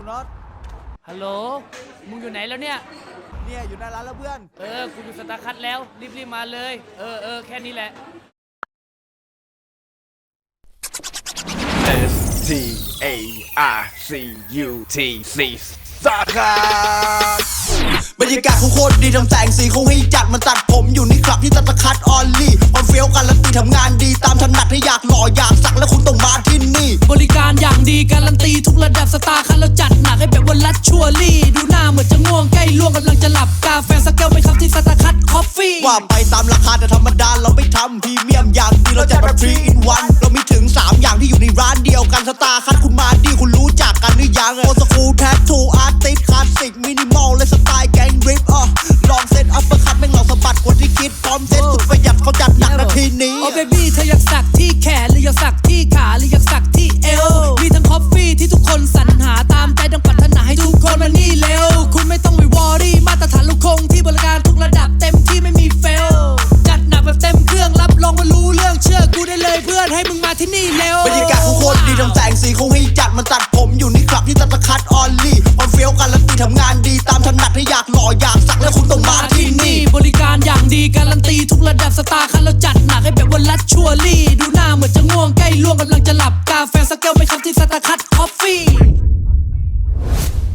น็อตฮัลโหลมึงอยู่ไหนแล้วเนี่ยอยู่หน้าร้านแล้วเพื่อนกูอยู่สตาร์คัทแล้วรีบมาเลยแค่นี้แหละ STARCUTC สาขาบรรยากาศเขาโคตรดีทำแสงสีเขาให้จัดมันตัดผมอยู่นี่ครับที่ตัดตะคัดออลลี่ความเฟี้ยวกันและตีทำงานดีตามถนัดให้อยากหล่ออยากสักและคุณต้องมาที่นี่บริการอย่างดีการันตีทุกระดับสตาร์คันเราจัดหนักให้แบบวันลัดชัวรี่ดูหน้าเหมือนจะง่วงใกล้ล่วงกำลังจะหลับกาแฟสักแก้วไหมครับที่สตาร์คัทคอฟฟี่ว่าไปตามราคาแต่ธรรมดาเราไม่ทำพรีเมียมอย่างดีเราจัดแบบ3 in 1เรามีถึง3อย่างที่อยู่ในร้านเดียวกันสตาร์คัทคุณมาดีคุณรู้จักกันหรือยังโอสคูลแทททูอาร์ติสคลาสสิกมินิมอลและสไตล์แกงริปลองเซ็ตอัปเปอร์คัทแม่งหล่อสะบัดกว่าที่คิดพร้อมเซ็ตสุดประหยัดเขาจัดหนักนาทีนี้โอ้เบบี้เธออยากสักที่แขนหรืออยากสักที่ขาหรืออยากสักที่เอวมีทั้งคอฟฟี่ที่ทุกคนสรรหาตามใจดังปรารถนาให้ทุกคนมานี่เร็วคุณไม่ต้องไปวอรี่มาตรฐานลูกคงที่บริการทุกระดับเต็มที่ไม่มีเฟลจัดหนักแบบเต็มเครื่องรับรองว่ารู้เรื่องเชื่อกูได้เลยเพื่อนให้มึงมาที่นี่เร็วบรรยากาศเขาโคตรดีทำแสงสีเขาให้จัดมันตัดผมอยู่นี่ครับที่ตัดตะคัดออลลี่ความเฟี้ยวกันและตีทำงานดีตามถนัดให้อยากหล่ออยากสักและคุณต้องมาที่นี่บริการอย่างดีการันตีทุกระดับสตาร์คันเราจัดหนักให้แบบวันลัดชัวรี่ดูหน้าเหมือนจะง่วงใกล้ล่วงกำลังจะหลับกาแฟสักแก้วไหมครับที่สตาร์คัทคอฟฟี่